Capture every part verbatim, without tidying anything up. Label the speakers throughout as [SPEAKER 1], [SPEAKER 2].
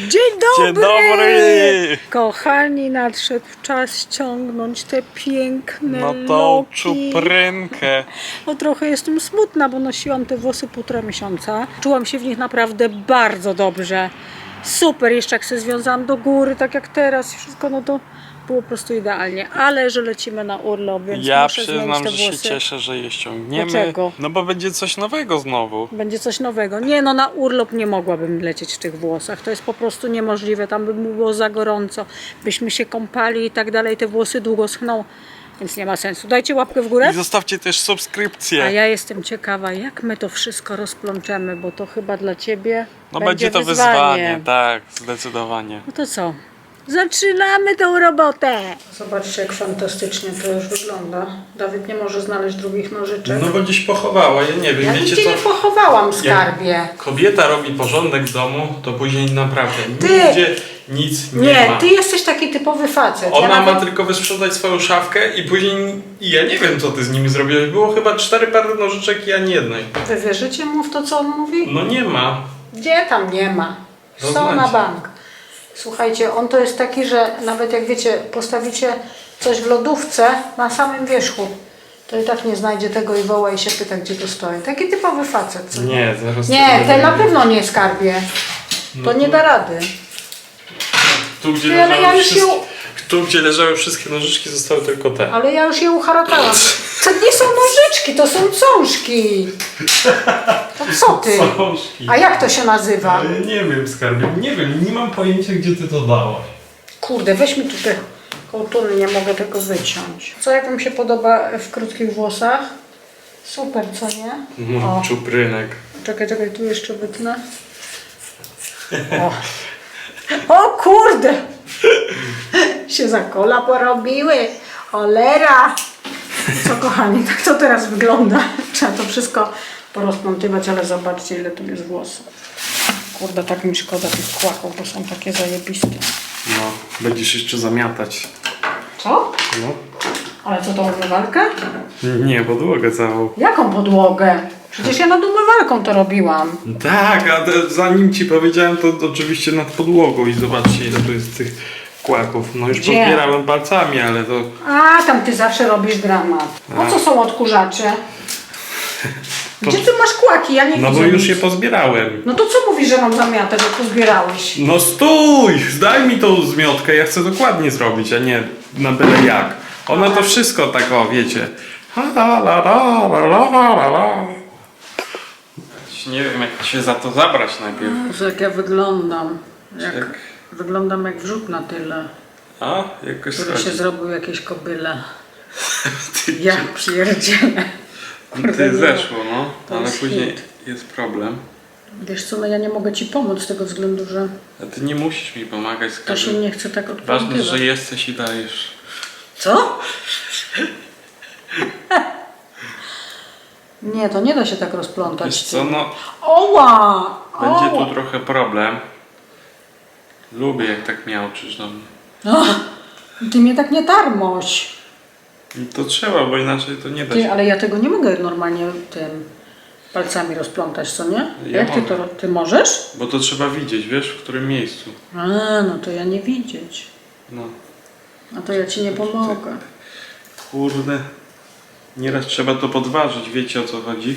[SPEAKER 1] Dzień dobry!
[SPEAKER 2] Dzień dobry!
[SPEAKER 1] Kochani, nadszedł czas ściągnąć te piękne
[SPEAKER 2] No tą
[SPEAKER 1] loki.
[SPEAKER 2] czuprynkę.
[SPEAKER 1] No trochę jestem smutna, bo nosiłam te włosy półtora miesiąca. Czułam się w nich naprawdę bardzo dobrze. Super, jeszcze jak się związałam do góry, tak jak teraz i wszystko, no to było po prostu idealnie. Ale że lecimy na urlop, więc
[SPEAKER 2] Ja
[SPEAKER 1] muszę zmienić
[SPEAKER 2] przyznam,
[SPEAKER 1] te
[SPEAKER 2] że się
[SPEAKER 1] włosy.
[SPEAKER 2] cieszę, że je ściągniemy.
[SPEAKER 1] Dlaczego?
[SPEAKER 2] No bo będzie coś nowego znowu.
[SPEAKER 1] Będzie coś nowego. Nie, no na urlop nie mogłabym lecieć w tych włosach. To jest po prostu niemożliwe. Tam by było za gorąco. Byśmy się kąpali i tak dalej. Te włosy długo schną, więc nie ma sensu. Dajcie łapkę w górę.
[SPEAKER 2] I zostawcie też subskrypcję.
[SPEAKER 1] A ja jestem ciekawa, jak my to wszystko rozplączemy, bo to chyba dla Ciebie
[SPEAKER 2] No
[SPEAKER 1] będzie,
[SPEAKER 2] będzie to
[SPEAKER 1] wyzwanie.
[SPEAKER 2] wyzwanie, tak, zdecydowanie.
[SPEAKER 1] No to co? Zaczynamy tą robotę! Zobaczcie, jak fantastycznie to już wygląda. Dawid nie może znaleźć drugich nożyczek.
[SPEAKER 2] No bo gdzieś pochowała, ja nie wiem,
[SPEAKER 1] Ja
[SPEAKER 2] wiecie
[SPEAKER 1] nigdzie
[SPEAKER 2] co?
[SPEAKER 1] nie pochowałam, skarbie.
[SPEAKER 2] Jak kobieta robi porządek w domu, to później naprawdę
[SPEAKER 1] Ty!
[SPEAKER 2] nigdzie nic nie,
[SPEAKER 1] Nie,
[SPEAKER 2] ma.
[SPEAKER 1] ty jesteś taki typowy facet.
[SPEAKER 2] Ona
[SPEAKER 1] ja
[SPEAKER 2] ma
[SPEAKER 1] nawet...
[SPEAKER 2] tylko wysprzedać swoją szafkę i później i ja nie wiem, co ty z nimi zrobiłeś. Było chyba cztery pary nożyczek i ani jednej.
[SPEAKER 1] Wy wierzycie mu w to, co on mówi?
[SPEAKER 2] No nie ma.
[SPEAKER 1] Gdzie tam nie ma?
[SPEAKER 2] No
[SPEAKER 1] Są
[SPEAKER 2] znacie.
[SPEAKER 1] na bank. Słuchajcie, on to jest taki, że nawet jak wiecie, postawicie coś w lodówce na samym wierzchu, to i tak nie znajdzie tego i woła i się pyta, gdzie to stoi. Taki typowy facet. Co?
[SPEAKER 2] Nie, zaraz...
[SPEAKER 1] Nie,
[SPEAKER 2] tego
[SPEAKER 1] ten na
[SPEAKER 2] będzie.
[SPEAKER 1] pewno nie skarbie. To nie da rady.
[SPEAKER 2] Tu gdzie,
[SPEAKER 1] Ty, ale
[SPEAKER 2] leżały
[SPEAKER 1] ja już
[SPEAKER 2] wszystkie,
[SPEAKER 1] ją-
[SPEAKER 2] tu, gdzie leżały wszystkie nożyczki, zostały tylko te.
[SPEAKER 1] Ale ja już je uharatałam. To nie są nożyczki, to są cążki. To co ty?
[SPEAKER 2] Książki.
[SPEAKER 1] A jak to się nazywa?
[SPEAKER 2] Ale nie wiem, skarbie, nie wiem, nie mam pojęcia, gdzie ty to dałaś.
[SPEAKER 1] Kurde, weź mi tu te kołtuny, nie mogę tego wyciąć. Co, jak wam się podoba w krótkich włosach? Super, co nie?
[SPEAKER 2] No,
[SPEAKER 1] O.
[SPEAKER 2] czuprynek.
[SPEAKER 1] Czekaj, czekaj, tu jeszcze wytnę. O, o kurde! Się za kola porobiły. Cholera! Co, kochani, tak to teraz wygląda. Trzeba to wszystko porozplątywać, ale zobaczcie, ile tu jest włosów. Kurde, tak mi szkoda tych kłaków, bo są takie zajebiste.
[SPEAKER 2] No, będziesz jeszcze zamiatać.
[SPEAKER 1] Co?
[SPEAKER 2] No.
[SPEAKER 1] Ale co, tą umywalkę?
[SPEAKER 2] Nie, podłogę całą.
[SPEAKER 1] Jaką podłogę? Przecież ja nad umywalką to robiłam.
[SPEAKER 2] Tak, a te, zanim ci powiedziałem, to oczywiście nad podłogą i zobaczcie, ile tu jest tych kłaków. No już
[SPEAKER 1] Gdzie?
[SPEAKER 2] pozbierałem palcami, ale to...
[SPEAKER 1] A, tam ty zawsze robisz dramat. Po co są odkurzacze? Gdzie ty masz kłaki? Ja nie
[SPEAKER 2] No
[SPEAKER 1] widzę
[SPEAKER 2] bo już
[SPEAKER 1] nic.
[SPEAKER 2] je pozbierałem.
[SPEAKER 1] No to co mówisz, że mam zamiatać, że pozbierałeś?
[SPEAKER 2] No stój! Zdaj mi tą zmiotkę, ja chcę dokładnie zrobić, a nie na byle jak. Ona to wszystko tak, o wiecie. Nie wiem, jak się za to zabrać najpierw.
[SPEAKER 1] Jezu, jak ja wyglądam. Jak,
[SPEAKER 2] Jak?
[SPEAKER 1] Wyglądam jak wrzut na tyle,
[SPEAKER 2] A, jakoś
[SPEAKER 1] który się
[SPEAKER 2] schodzi.
[SPEAKER 1] zrobił jakieś kobyle.
[SPEAKER 2] Ty,
[SPEAKER 1] Ja pierdzielę.
[SPEAKER 2] ty zeszło, no,
[SPEAKER 1] To
[SPEAKER 2] ale
[SPEAKER 1] jest
[SPEAKER 2] później
[SPEAKER 1] hit.
[SPEAKER 2] jest problem.
[SPEAKER 1] Wiesz co, no ja nie mogę ci pomóc z tego względu, że
[SPEAKER 2] A ty nie musisz mi pomagać z
[SPEAKER 1] to się
[SPEAKER 2] każdym.
[SPEAKER 1] nie chce tak
[SPEAKER 2] Ważne,
[SPEAKER 1] odplątywać.
[SPEAKER 2] że jesteś i dajesz.
[SPEAKER 1] Co? Nie, to nie da się tak rozplątać.
[SPEAKER 2] Wiesz co, no,
[SPEAKER 1] Oła!
[SPEAKER 2] będzie
[SPEAKER 1] Oła!
[SPEAKER 2] tu trochę problem. Lubię, jak tak miałczysz do mnie.
[SPEAKER 1] O, ty mnie tak nie tarmoś.
[SPEAKER 2] I to trzeba, bo inaczej to nie da
[SPEAKER 1] Ty,
[SPEAKER 2] się.
[SPEAKER 1] ale ja tego nie mogę normalnie tym palcami rozplątać, co nie?
[SPEAKER 2] Ja
[SPEAKER 1] Jak ty
[SPEAKER 2] mogę.
[SPEAKER 1] to ty możesz?
[SPEAKER 2] Bo to trzeba widzieć, wiesz, w którym miejscu.
[SPEAKER 1] A, no to ja nie widzieć.
[SPEAKER 2] No,
[SPEAKER 1] A to ja ci nie pomogę.
[SPEAKER 2] kurde. Nieraz trzeba to podważyć, wiecie o co chodzi?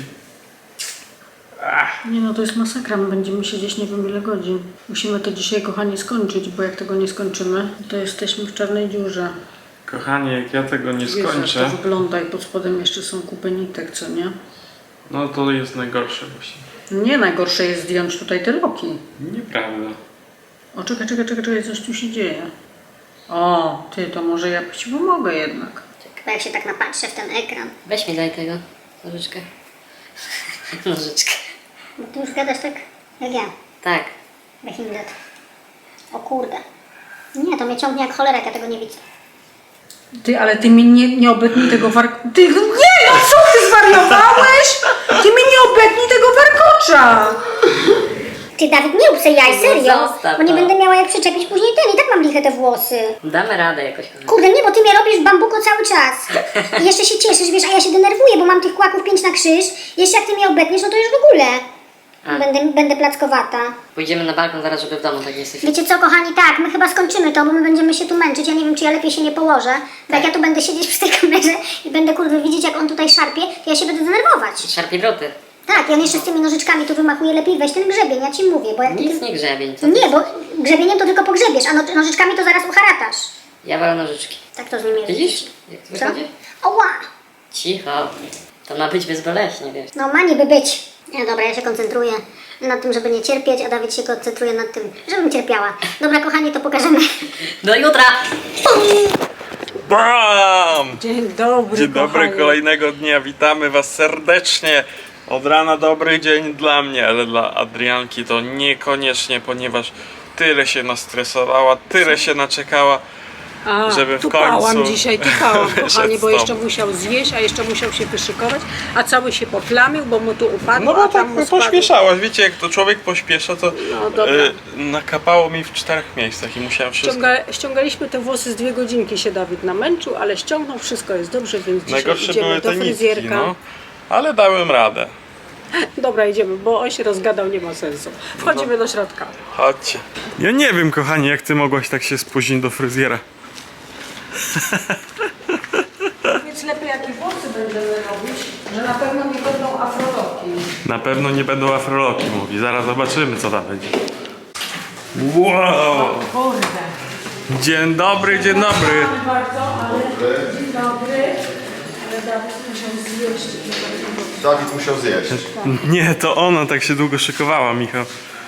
[SPEAKER 2] Ach,
[SPEAKER 1] Nie no, to jest masakra, my będziemy siedzieć nie wiem ile godzin. Musimy to dzisiaj, kochani, skończyć, bo jak tego nie skończymy, to jesteśmy w czarnej dziurze.
[SPEAKER 2] kochanie, jak ja tego nie
[SPEAKER 1] Jezu, jak to
[SPEAKER 2] skończę,
[SPEAKER 1] wygląda i pod spodem jeszcze są kupy nitek, co nie?
[SPEAKER 2] no to jest najgorsze właśnie.
[SPEAKER 1] Nie, najgorsze jest zdjąć tutaj te loki.
[SPEAKER 2] Nieprawda.
[SPEAKER 1] O, czekaj, czekaj, czekaj, czekaj, coś tu się dzieje. O, ty, to może ja ci pomogę jednak.
[SPEAKER 3] Chyba jak się tak napatrzę w ten ekran.
[SPEAKER 4] Weź mi daj tego, nożyczkę. Nożyczkę.
[SPEAKER 3] Bo ty już gadasz tak jak ja.
[SPEAKER 4] Tak.
[SPEAKER 3] Weź mi dat. O kurde. Nie, to mnie ciągnie jak cholera, jak ja tego nie widzę.
[SPEAKER 1] Ty, ale ty mi nie, nie obetnij tego warkocza. Ty, nie, no co ty zwariowałeś? Ty mi nie obetnij tego warkocza.
[SPEAKER 3] Ty, Dawid, nie rób se jaj, serio.
[SPEAKER 4] zostaw
[SPEAKER 3] Bo nie
[SPEAKER 4] to.
[SPEAKER 3] będę miała jak przyczepić później ten. I tak mam liche te włosy.
[SPEAKER 4] Damy radę jakoś. kochanie.
[SPEAKER 3] Kurde, nie, bo ty mnie robisz bambuko cały czas. I jeszcze się cieszysz, wiesz, a ja się denerwuję, bo mam tych kłaków pięć na krzyż. Jeszcze jak ty mnie obetniesz, no to już w ogóle.
[SPEAKER 4] A.
[SPEAKER 3] Będę, będę plackowata.
[SPEAKER 4] Pójdziemy na balkon zaraz, żeby w domu tak nie jesteś.
[SPEAKER 3] Wiecie co, kochani, tak, my chyba skończymy to, bo my będziemy się tu męczyć. Ja nie wiem, czy ja lepiej się nie położę. Bo jak ja tu będę siedzieć przy tej kamerze i będę, kurwa, widzieć, jak on tutaj szarpie, to ja się będę denerwować.
[SPEAKER 4] Szarpie druty.
[SPEAKER 3] Tak, ja jeszcze z tymi nożyczkami tu wymachuję, lepiej weź ten grzebień, ja ci mówię, bo jak ty...
[SPEAKER 4] Nic nie grzebień. Co
[SPEAKER 3] Nie, bo grzebieniem to tylko pogrzebiesz, a no, nożyczkami to zaraz uharatasz.
[SPEAKER 4] Ja walę nożyczki.
[SPEAKER 3] Tak to z nim jest.
[SPEAKER 4] Widzisz? Jak to
[SPEAKER 3] Co?
[SPEAKER 4] wychodzi?
[SPEAKER 3] Oła!
[SPEAKER 4] Cicho. To ma być bezboleśnie, wiesz.
[SPEAKER 3] No ma niby być. No dobra, ja się koncentruję nad tym, żeby nie cierpieć, a Dawid się koncentruje nad tym, żebym cierpiała. Dobra, kochani, to pokażemy.
[SPEAKER 4] Do jutra!
[SPEAKER 2] Bam!
[SPEAKER 1] Dzień dobry,
[SPEAKER 2] Dzień dobry,
[SPEAKER 1] kochani.
[SPEAKER 2] kolejnego dnia. Witamy Was serdecznie. Od rana dobry dzień dla mnie, ale dla Adrianki to niekoniecznie, ponieważ tyle się nastresowała, tyle się naczekała,
[SPEAKER 1] A,
[SPEAKER 2] żeby w
[SPEAKER 1] tupałam
[SPEAKER 2] końcu
[SPEAKER 1] dzisiaj, tupałam,
[SPEAKER 2] wyszedł
[SPEAKER 1] kochani, bo
[SPEAKER 2] z
[SPEAKER 1] jeszcze
[SPEAKER 2] domu.
[SPEAKER 1] musiał zjeść, a jeszcze musiał się wyszykować, a cały się poplamił, bo mu tu upadł,
[SPEAKER 2] No
[SPEAKER 1] a
[SPEAKER 2] bo
[SPEAKER 1] tam
[SPEAKER 2] tak
[SPEAKER 1] mu spadł.
[SPEAKER 2] pośpieszałaś, wiecie, jak to człowiek pośpiesza, to
[SPEAKER 1] No, dobra.
[SPEAKER 2] y, nakapało mi w czterech miejscach i musiałem wszystko...
[SPEAKER 1] Ściąga, ściągaliśmy te włosy z dwie godzinki, się Dawid namęczył, ale ściągnął, wszystko jest dobrze, więc dzisiaj
[SPEAKER 2] Najgorsze
[SPEAKER 1] idziemy
[SPEAKER 2] były
[SPEAKER 1] do
[SPEAKER 2] te nitki,
[SPEAKER 1] fryzjerka.
[SPEAKER 2] no. Ale dałem radę.
[SPEAKER 1] Dobra, idziemy, bo on się rozgadał, nie ma sensu. Wchodzimy do środka.
[SPEAKER 2] Chodźcie. Ja nie wiem, kochani, jak ty mogłaś tak się spóźnić do fryzjera.
[SPEAKER 1] Więc lepiej jakie włosy będziemy robić, że na pewno nie będą afroloki.
[SPEAKER 2] Na pewno nie będą afroloki, mówi. Zaraz zobaczymy, co tam będzie. Wow!
[SPEAKER 1] Kurde.
[SPEAKER 2] Dzień dobry, dzień dobry.
[SPEAKER 1] Przepraszam bardzo, ale dzień dobry. Ale Dawid musiał zjeść.
[SPEAKER 5] Dawid musiał zjeść.
[SPEAKER 2] Nie, to ona tak się długo szykowała, Michał.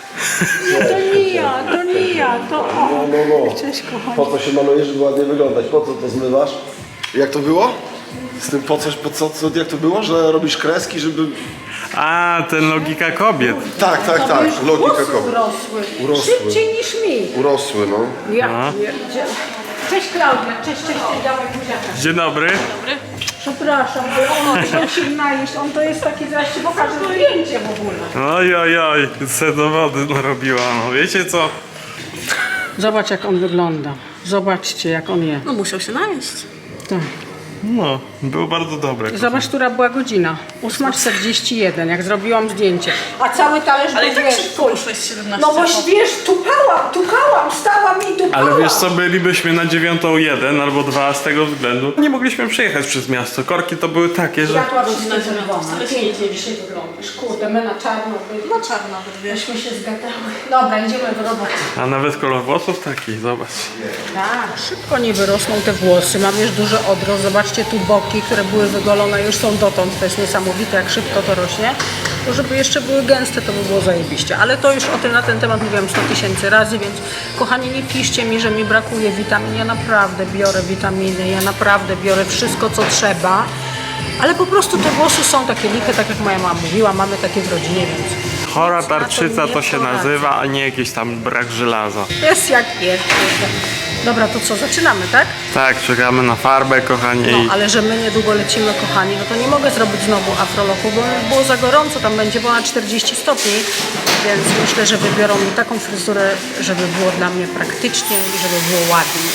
[SPEAKER 1] To nie ja, to nie ja, to on.
[SPEAKER 5] No, no, no.
[SPEAKER 1] Cześć, kochani.
[SPEAKER 5] Po co się malujesz, żeby ładnie wyglądać? Po co to zmywasz? Jak to było? Z tym po coś, po co, co, jak to było? Że robisz kreski, żeby...
[SPEAKER 2] A, ten logika kobiet.
[SPEAKER 5] Tak, tak, tak.
[SPEAKER 1] Wiesz,
[SPEAKER 5] Logika
[SPEAKER 1] włosy
[SPEAKER 5] kobiet.
[SPEAKER 1] urosły.
[SPEAKER 5] Urosły.
[SPEAKER 1] Szybciej niż mi.
[SPEAKER 5] Urosły, no.
[SPEAKER 1] Ja
[SPEAKER 2] No.
[SPEAKER 1] pierdzielę. Cześć Klaudia, cześć, cześć, cześć, dawaj buziaka.
[SPEAKER 2] Dzień dobry.
[SPEAKER 1] Przepraszam, bo on chciał się najeść, on to jest taki, zaraz ci pokażę zdjęcie w ogóle.
[SPEAKER 2] Oj, oj, oj, se do wody narobiła. No wiecie co?
[SPEAKER 1] Zobacz jak on wygląda. Zobaczcie jak on je.
[SPEAKER 4] No musiał się najeść.
[SPEAKER 1] Tak.
[SPEAKER 2] No, był bardzo dobry.
[SPEAKER 1] Zobacz, która była godzina. ósma czterdzieści jeden, jak zrobiłam zdjęcie. A cały talerz
[SPEAKER 6] Ale
[SPEAKER 1] był,
[SPEAKER 6] i tak
[SPEAKER 1] wiesz,
[SPEAKER 6] szybko poszłeś siedemnaście
[SPEAKER 1] no bo wiesz, tupałam, tupałam, stałam i tupałam.
[SPEAKER 2] Ale wiesz co, bylibyśmy na dziewiątą jeden albo dwa z tego względu. Nie mogliśmy przejechać przez miasto. Korki to były takie, że...
[SPEAKER 1] Światła wszystkie
[SPEAKER 6] dziewiąta,
[SPEAKER 1] czerwone.
[SPEAKER 6] wcale się
[SPEAKER 1] Pięknie
[SPEAKER 6] nie
[SPEAKER 1] dzisiaj wyglądasz. Kurde, my na czarno byli.
[SPEAKER 6] No czarna, wiesz.
[SPEAKER 1] Myśmy się zgadały. Dobra, idziemy do roboty.
[SPEAKER 2] A nawet kolor włosów taki, zobacz.
[SPEAKER 1] Tak, szybko nie wyrosną te włosy. Mam już duży odrost. Zobaczcie tu boki, które były wygolone, już są dotąd. To jest niesamowite, jak szybko to rośnie. To żeby jeszcze były gęste, to by było zajebiście. Ale to już o tym na ten temat mówiłam sto tysięcy razy, więc kochani, nie piszcie mi, że mi brakuje witamin. Ja naprawdę biorę witaminy, ja naprawdę biorę wszystko, co trzeba. Ale po prostu te włosy są takie liche, tak jak moja mama mówiła, mamy takie w rodzinie, więc
[SPEAKER 2] Chora
[SPEAKER 1] nic na to
[SPEAKER 2] tarczyca
[SPEAKER 1] nie
[SPEAKER 2] to się
[SPEAKER 1] poradzę.
[SPEAKER 2] nazywa, a nie jakiś tam brak żelaza.
[SPEAKER 1] jest jak jest. Dobra, to co, zaczynamy, tak?
[SPEAKER 2] Tak, czekamy na farbę, kochani.
[SPEAKER 1] No, ale że my niedługo lecimy, kochani, no to nie mogę zrobić znowu afroloku, bo było za gorąco, tam będzie ponad czterdzieści stopni, więc myślę, że wybiorą mi taką fryzurę, żeby było dla mnie praktycznie i żeby było ładnie.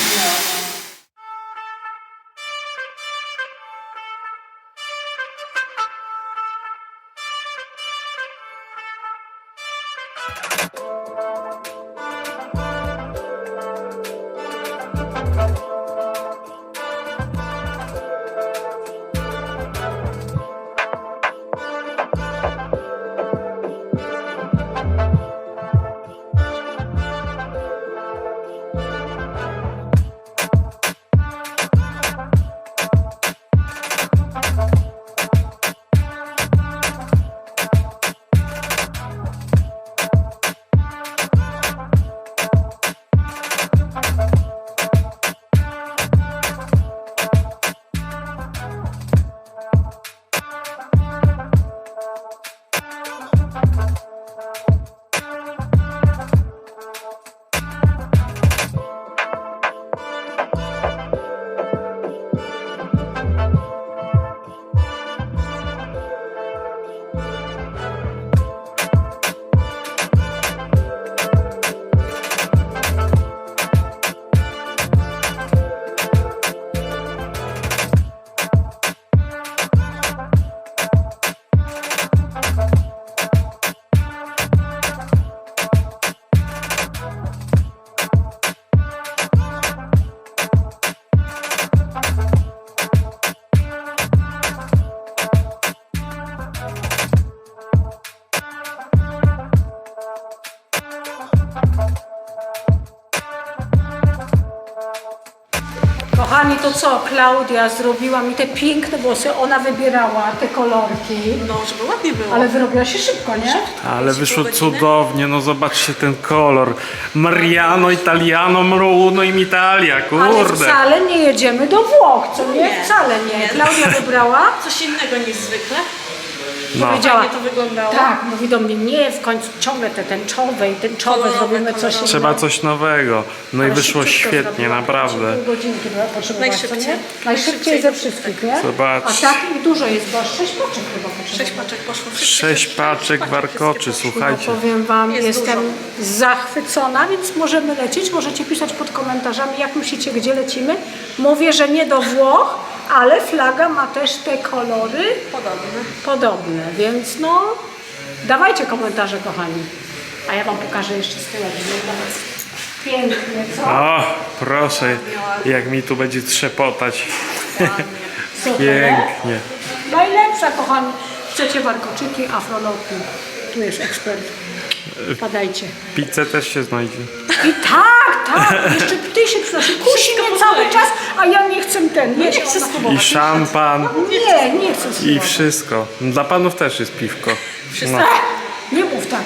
[SPEAKER 1] kochani, to co? Klaudia zrobiła mi te piękne włosy, ona wybierała te kolorki.
[SPEAKER 4] No, żeby ładnie było.
[SPEAKER 1] Ale wyrobiła się szybko, nie?
[SPEAKER 2] Ale wyszło cudownie, no zobaczcie ten kolor. Mariano, Italiano, Bruno im Italia,
[SPEAKER 1] Ale
[SPEAKER 2] kurde.
[SPEAKER 1] wcale nie jedziemy do Włoch, co nie?
[SPEAKER 4] Nie.
[SPEAKER 1] Wcale nie.
[SPEAKER 4] Nie.
[SPEAKER 1] Klaudia wybrała.
[SPEAKER 4] Coś innego niż zwykle.
[SPEAKER 2] No.
[SPEAKER 1] Powiedziała,
[SPEAKER 4] Fajnie to wyglądało.
[SPEAKER 1] tak, mówi do mnie, nie, w końcu ciągle te tęczowe i tęczowe,
[SPEAKER 4] Kolorowe,
[SPEAKER 1] zrobimy coś
[SPEAKER 4] kolorowe.
[SPEAKER 2] Trzeba
[SPEAKER 1] innego.
[SPEAKER 2] coś nowego. No i
[SPEAKER 1] Ale
[SPEAKER 2] wyszło
[SPEAKER 1] szybciutko
[SPEAKER 2] świetnie,
[SPEAKER 1] zrobiła,
[SPEAKER 2] naprawdę.
[SPEAKER 1] Pół godzinki była potrzebować, co
[SPEAKER 4] Najszybciej.
[SPEAKER 1] nie? Najszybciej ze wszystkich, nie?
[SPEAKER 2] Zobacz.
[SPEAKER 1] A tak i dużo jest, bo aż sześć paczek chyba potrzebowało.
[SPEAKER 4] Sześć paczek poszło. Wszystkie
[SPEAKER 2] Sześć
[SPEAKER 4] sześć
[SPEAKER 2] paczek
[SPEAKER 4] paczek,
[SPEAKER 2] warkoczy,
[SPEAKER 4] wszystkie poszły.
[SPEAKER 2] słuchajcie.
[SPEAKER 1] No powiem wam,
[SPEAKER 4] Jest
[SPEAKER 1] jestem
[SPEAKER 4] dużo.
[SPEAKER 1] zachwycona, więc możemy lecieć. Możecie pisać pod komentarzami, jak myślicie, gdzie lecimy. Mówię, że nie do Włoch, ale flaga ma też te kolory
[SPEAKER 4] Podobne.
[SPEAKER 1] podobne, więc no dawajcie komentarze, kochani. A ja wam pokażę jeszcze z tyłu. Pięknie, co?
[SPEAKER 2] O, proszę, jak mi tu będzie trzepotać.
[SPEAKER 1] Super.
[SPEAKER 2] Pięknie.
[SPEAKER 1] Najlepsza, kochani. Chcecie warkoczyki, afrolotki. Tu jest ekspert. Padajcie.
[SPEAKER 2] Pizzę też się znajdzie.
[SPEAKER 1] I tak, tak, jeszcze ty się przynosi. Kusi mnie cały czas, a ja nie chcę ten. Jeść.
[SPEAKER 4] Nie chcę
[SPEAKER 2] I
[SPEAKER 4] spróbować.
[SPEAKER 2] szampan,
[SPEAKER 1] Nie, nie chcę
[SPEAKER 2] i
[SPEAKER 1] spróbować.
[SPEAKER 2] wszystko. Dla panów też jest piwko. No.
[SPEAKER 1] Nie mów tak.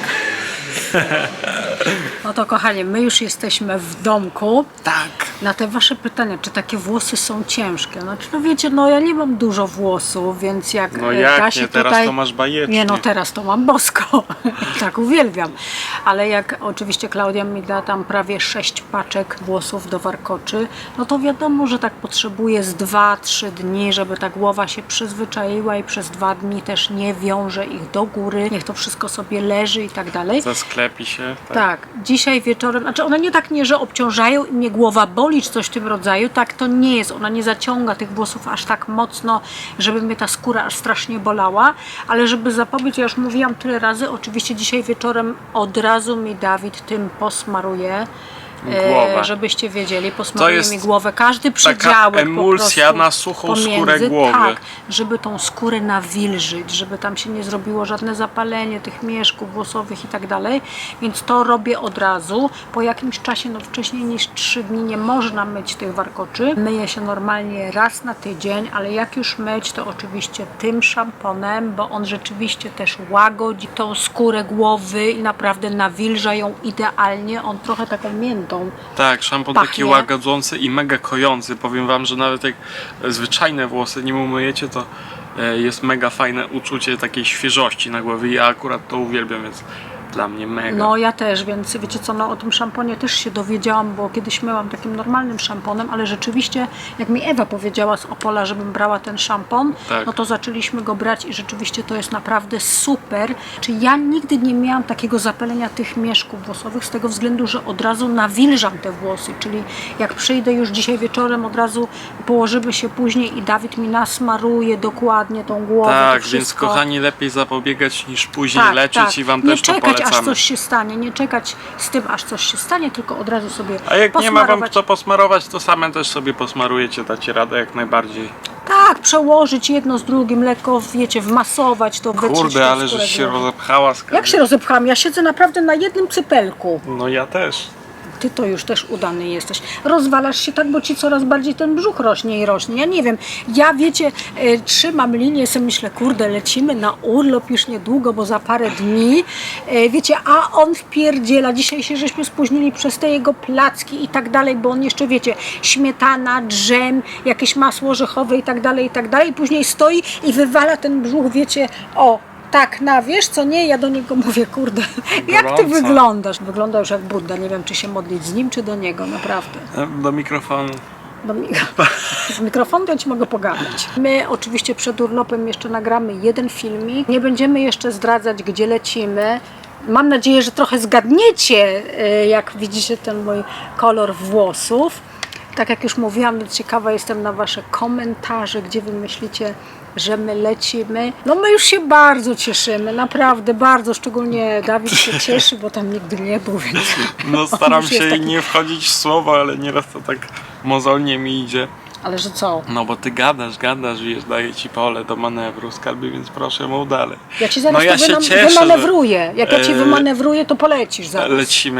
[SPEAKER 1] No to kochanie, my już jesteśmy w domku.
[SPEAKER 2] Tak.
[SPEAKER 1] Na te wasze pytania, czy takie włosy są ciężkie? Znaczy, no wiecie, no ja nie mam dużo włosów, więc jak
[SPEAKER 2] No
[SPEAKER 1] e,
[SPEAKER 2] jak
[SPEAKER 1] Kasi
[SPEAKER 2] nie, teraz
[SPEAKER 1] tutaj...
[SPEAKER 2] to masz bajecznie.
[SPEAKER 1] Nie, no teraz to mam bosko. Tak, uwielbiam. Ale jak oczywiście Klaudia mi da tam prawie sześć paczek włosów do warkoczy, no to wiadomo, że tak potrzebuję z dwa, trzy dni, żeby ta głowa się przyzwyczaiła i przez dwa dni też nie wiąże ich do góry. Niech to wszystko sobie leży i tak dalej.
[SPEAKER 2] Zasklepi się. Tak.
[SPEAKER 1] Tak, dzisiaj wieczorem, znaczy one nie tak nie, że obciążają i mnie głowa boli, czy coś w tym rodzaju, tak to nie jest, ona nie zaciąga tych włosów aż tak mocno, żeby mnie ta skóra aż strasznie bolała, ale żeby zapobiec, ja już mówiłam tyle razy, oczywiście dzisiaj wieczorem od razu mi Dawid tym posmaruje.
[SPEAKER 2] Głowę.
[SPEAKER 1] E, żebyście wiedzieli, posmaruje
[SPEAKER 2] jest
[SPEAKER 1] mi głowę, każdy przedziałek
[SPEAKER 2] emulsja
[SPEAKER 1] po prostu
[SPEAKER 2] na suchą
[SPEAKER 1] pomiędzy,
[SPEAKER 2] skórę głowy.
[SPEAKER 1] Tak, żeby tą skórę nawilżyć, żeby tam się nie zrobiło żadne zapalenie tych mieszków włosowych i tak dalej, więc to robię od razu. Po jakimś czasie, no wcześniej niż trzy dni nie można myć tych warkoczy. Myję się normalnie raz na tydzień, ale jak już myć, to oczywiście tym szamponem, bo on rzeczywiście też łagodzi tą skórę głowy i naprawdę nawilża ją idealnie. On trochę taką miętą
[SPEAKER 2] Tak, szampon
[SPEAKER 1] Pachnie.
[SPEAKER 2] taki łagodzący i mega kojący. Powiem wam, że nawet jak zwyczajne włosy nim umyjecie, to e, jest mega fajne uczucie takiej świeżości na głowie. Ja akurat to uwielbiam, więc dla mnie mega.
[SPEAKER 1] No ja też, więc wiecie co, no o tym szamponie też się dowiedziałam, bo kiedyś myłam takim normalnym szamponem, ale rzeczywiście jak mi Ewa powiedziała z Opola, żebym brała ten szampon,
[SPEAKER 2] Tak.
[SPEAKER 1] no to zaczęliśmy go brać i rzeczywiście to jest naprawdę super. Czy ja nigdy nie miałam takiego zapalenia tych mieszków włosowych z tego względu, że od razu nawilżam te włosy, czyli jak przyjdę już dzisiaj wieczorem, od razu położymy się później i Dawid mi nasmaruje dokładnie tą głowę.
[SPEAKER 2] tak,
[SPEAKER 1] to
[SPEAKER 2] więc
[SPEAKER 1] wszystko.
[SPEAKER 2] kochani, lepiej zapobiegać niż później
[SPEAKER 1] Tak,
[SPEAKER 2] leczyć
[SPEAKER 1] tak.
[SPEAKER 2] i wam
[SPEAKER 1] nie
[SPEAKER 2] też to
[SPEAKER 1] czekać, aż
[SPEAKER 2] polecamy.
[SPEAKER 1] coś się stanie, nie czekać z tym, aż coś się stanie, tylko od razu sobie
[SPEAKER 2] A jak nie ma wam
[SPEAKER 1] posmarować.
[SPEAKER 2] kto posmarować, to same też sobie posmarujecie, dacie radę jak najbardziej.
[SPEAKER 1] Tak, przełożyć jedno z drugim, lekko, wiecie, wmasować to, wytrzeć
[SPEAKER 2] Kurde,
[SPEAKER 1] tą
[SPEAKER 2] ale
[SPEAKER 1] skórę
[SPEAKER 2] żeś się
[SPEAKER 1] głowy.
[SPEAKER 2] rozepchała z
[SPEAKER 1] Jak się rozepchałam? Ja siedzę naprawdę na jednym cypelku.
[SPEAKER 2] No ja też.
[SPEAKER 1] Ty to już też udany jesteś. Rozwalasz się tak, bo ci coraz bardziej ten brzuch rośnie i rośnie. Ja nie wiem. Ja wiecie, e, trzymam linię, sobie myślę, kurde, lecimy na urlop już niedługo, bo za parę dni. E, wiecie, a on wpierdziela. Dzisiaj się żeśmy spóźnili przez te jego placki i tak dalej, bo on jeszcze, wiecie, śmietana, dżem, jakieś masło orzechowe i tak dalej, i tak dalej. Później stoi i wywala ten brzuch, wiecie, o, tak, na wiesz co nie, ja do niego mówię, kurde, jak ty
[SPEAKER 2] Gorąco.
[SPEAKER 1] wyglądasz? Wygląda już jak Budda, nie wiem czy się modlić z nim, czy do niego, naprawdę.
[SPEAKER 2] Do mikrofonu.
[SPEAKER 1] Do mi- z mikrofonu to ja ci mogę pogadać. My oczywiście przed urlopem jeszcze nagramy jeden filmik, nie będziemy jeszcze zdradzać, gdzie lecimy. Mam nadzieję, że trochę zgadniecie, y, jak widzicie ten mój kolor włosów. Tak jak już mówiłam, więc ciekawa jestem na wasze komentarze, gdzie wy myślicie, że my lecimy. No my już się bardzo cieszymy, naprawdę bardzo, szczególnie Dawid się cieszy, bo tam nigdy nie był, więc
[SPEAKER 2] No
[SPEAKER 1] on
[SPEAKER 2] staram
[SPEAKER 1] już jest
[SPEAKER 2] się
[SPEAKER 1] taki-
[SPEAKER 2] nie wchodzić w słowo, ale nieraz to tak mozolnie mi idzie.
[SPEAKER 1] Ale że co?
[SPEAKER 2] No bo ty gadasz, gadasz, wiesz, daję ci pole do manewru, skarbie, więc proszę mów dalej.
[SPEAKER 1] Ja ci zaraz
[SPEAKER 2] No ja
[SPEAKER 1] to
[SPEAKER 2] się
[SPEAKER 1] wynam-
[SPEAKER 2] cieszę, że-
[SPEAKER 1] wymanewruję. Jak ja ci
[SPEAKER 2] e,
[SPEAKER 1] wymanewruję, to polecisz zaraz.
[SPEAKER 2] Lecimy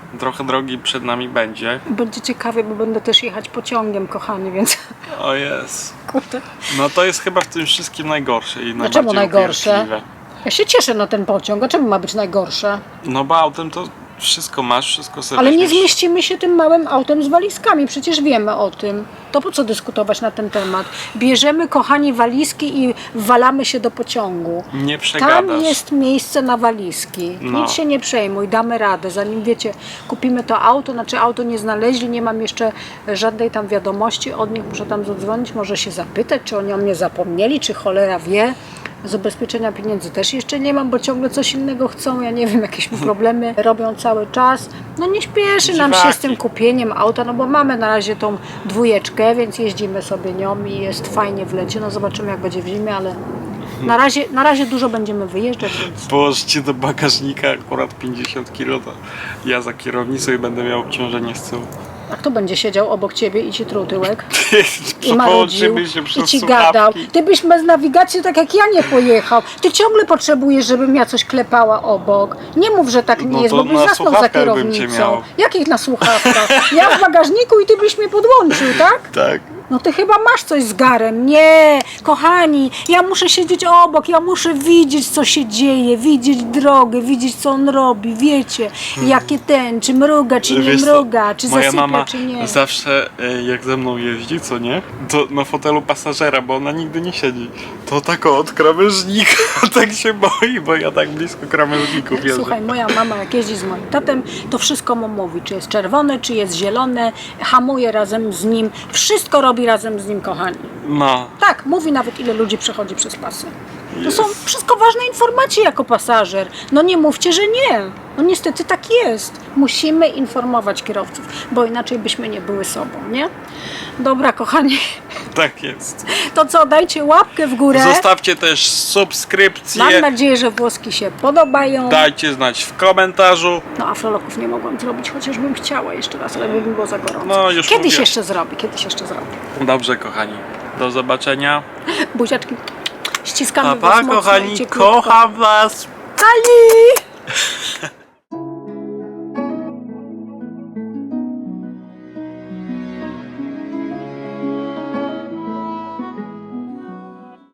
[SPEAKER 2] trochę drogi przed nami będzie.
[SPEAKER 1] Będzie ciekawie, bo będę też jechać pociągiem, kochani, więc
[SPEAKER 2] O jest.
[SPEAKER 1] kurde.
[SPEAKER 2] No to jest chyba w tym wszystkim najgorsze i najbardziej
[SPEAKER 1] czemu najgorsze?
[SPEAKER 2] upierdliwe.
[SPEAKER 1] Ja się cieszę na ten pociąg, a czemu ma być najgorsze?
[SPEAKER 2] No bo autem to wszystko masz, wszystko sobie
[SPEAKER 1] Ale nie
[SPEAKER 2] weźmiesz.
[SPEAKER 1] zmieścimy się tym małym autem z walizkami, przecież wiemy o tym. To po co dyskutować na ten temat? Bierzemy, kochani, walizki i walamy się do pociągu.
[SPEAKER 2] Nie
[SPEAKER 1] Tam
[SPEAKER 2] przegadasz.
[SPEAKER 1] jest miejsce na walizki.
[SPEAKER 2] No.
[SPEAKER 1] Nic się nie przejmuj, damy radę. Zanim wiecie, kupimy to auto, znaczy auto nie znaleźli, nie mam jeszcze żadnej tam wiadomości od nich, muszę tam zadzwonić, może się zapytać, czy oni o mnie zapomnieli, czy cholera wie. Z ubezpieczenia pieniędzy też jeszcze nie mam, bo ciągle coś innego chcą, ja nie wiem, jakieś problemy robią cały czas. No nie śpieszy nam się z tym
[SPEAKER 2] Dziwaki.
[SPEAKER 1] kupieniem auta, no bo mamy na razie tą dwójeczkę, więc jeździmy sobie nią i jest fajnie w lecie, no zobaczymy jak będzie w zimie, ale na razie, na razie dużo będziemy wyjeżdżać, więc
[SPEAKER 2] Położcie do bagażnika akurat pięćdziesiąt kilo, to ja za kierownicą i będę miał obciążenie z tyłu.
[SPEAKER 1] a kto będzie siedział obok ciebie i ci truł tyłek? I marudził,
[SPEAKER 2] Połączymy się
[SPEAKER 1] i
[SPEAKER 2] przez
[SPEAKER 1] ci
[SPEAKER 2] słuchawki.
[SPEAKER 1] gadał. Ty byś bez nawigacji tak jak ja nie pojechał. Ty ciągle potrzebujesz, żebym ja coś klepała obok. Nie mów, że tak nie
[SPEAKER 2] No
[SPEAKER 1] jest,
[SPEAKER 2] to
[SPEAKER 1] bo byś
[SPEAKER 2] na
[SPEAKER 1] zasnął za
[SPEAKER 2] słuchawkach bym cię
[SPEAKER 1] kierownicą.
[SPEAKER 2] miał.
[SPEAKER 1] Jakich na słuchawkach? Ja w bagażniku i ty byś mnie podłączył, tak?
[SPEAKER 2] Tak.
[SPEAKER 1] No ty chyba masz coś z garem. Nie, kochani, ja muszę siedzieć obok, ja muszę widzieć, co się dzieje, widzieć drogę, widzieć, co on robi, wiecie, jakie ten, czy mruga, czy nie
[SPEAKER 2] Wiesz co,
[SPEAKER 1] mruga, czy
[SPEAKER 2] moja
[SPEAKER 1] zasypia,
[SPEAKER 2] mama
[SPEAKER 1] czy nie.
[SPEAKER 2] zawsze e, jak ze mną jeździ, co nie? To na fotelu pasażera, bo ona nigdy nie siedzi. To tak od krawężnika, tak się boi, bo ja tak blisko krawężników jeżdżę.
[SPEAKER 1] Słuchaj, moja mama jak jeździ z moim tatem, to wszystko mu mówi, czy jest czerwone, czy jest zielone, hamuje razem z nim, wszystko robi razem z nim, kochani.
[SPEAKER 2] No,
[SPEAKER 1] Tak, mówi nawet ile ludzi przechodzi przez pasy. To są wszystko ważne informacje jako pasażer. No nie mówcie, że nie. No niestety tak jest. Musimy informować kierowców, bo inaczej byśmy nie były sobą, nie? Dobra, kochani,
[SPEAKER 2] tak jest.
[SPEAKER 1] to co, dajcie łapkę w górę.
[SPEAKER 2] Zostawcie też subskrypcję,
[SPEAKER 1] Mam nadzieję, że włoski się podobają.
[SPEAKER 2] dajcie znać w komentarzu.
[SPEAKER 1] No afroloków nie mogłam zrobić, chociaż bym chciała jeszcze raz, ale by było za gorąco.
[SPEAKER 2] No, już
[SPEAKER 1] Kiedyś
[SPEAKER 2] mówię.
[SPEAKER 1] jeszcze zrobię, kiedyś jeszcze zrobię.
[SPEAKER 2] Dobrze, kochani. Do zobaczenia.
[SPEAKER 1] Buziaczki ściskamy
[SPEAKER 2] Pa,
[SPEAKER 1] was
[SPEAKER 2] pa
[SPEAKER 1] mocno i
[SPEAKER 2] kochani,
[SPEAKER 1] cieplutko.
[SPEAKER 2] kocham was.
[SPEAKER 1] Ali!